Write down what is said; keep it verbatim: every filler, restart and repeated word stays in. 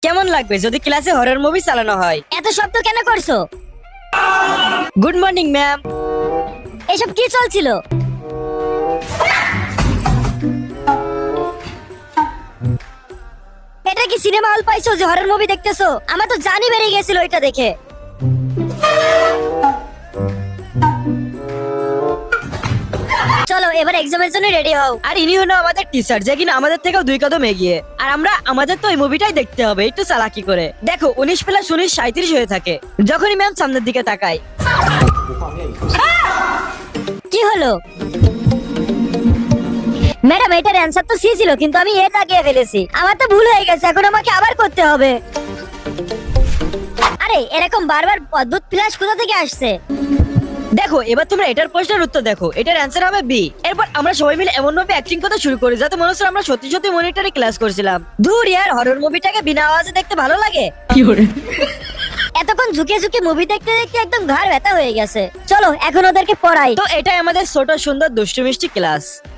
কেমন লাগবে যদি ক্লাসে হরর মুভি চালানো হয়? এত শব্দ কেন করছো? Good morning ma'am. এসব কি চলছিল? এটা কি সিনেমা হল পাইছো যে হরর মুভি দেখতেছো? আমার তো জানি বেরিয়ে গেছিল এটা দেখে। চলো এবার এক্সামের জন্য রেডি হও। আর ইনি হলো আমাদের টিচার, যে কিনা আমাদের থেকেও দুই কদম এগিয়ে। আর আমরা আমাদের তো এই মুভিটাই দেখতে হবে একটু চালাকি করে। দেখো উনিশ প্লাস উনিশ সাঁইত্রিশ হয়ে থাকে যখনই ম্যাম সামনের দিকে তাকায়। কি হলো ম্যাডাম? এটার অ্যানসার তো সি ছিল, কিন্তু আমি এ তাকিয়ে ফেলেছি। আমার তো ভুল হয়ে গেছে, এখন আমাকে আবার করতে হবে। আরে এরকম বারবার অদ্ভুত ফ্ল্যাশ কোথা থেকে আসছে? দেখো এবার তোমরা এটার প্রশ্নের উত্তর দেখো, এটার অ্যান্সার হবে বি। এরপর আমরা সবাই মিলে এমন ভাবে অ্যাক্টিং করতে শুরু করি যাতে মনে হচ্ছে আমরা সত্যি সত্যি মনিটরে ক্লাস করছিলাম। দূর ইয়ার, হরর মুভিটাকে বিনা আওয়াজে দেখতে ভালো লাগে। এতক্ষণ ঝুঁকে ঝুঁকে মুভি দেখতে দেখতে একদম ঘাড় ব্যথা হয়ে গেছে। চলো এখন ওদেরকে পড়াই। তো এটাই আমাদের ছোট সুন্দর দুষ্টু মিষ্টি ক্লাস।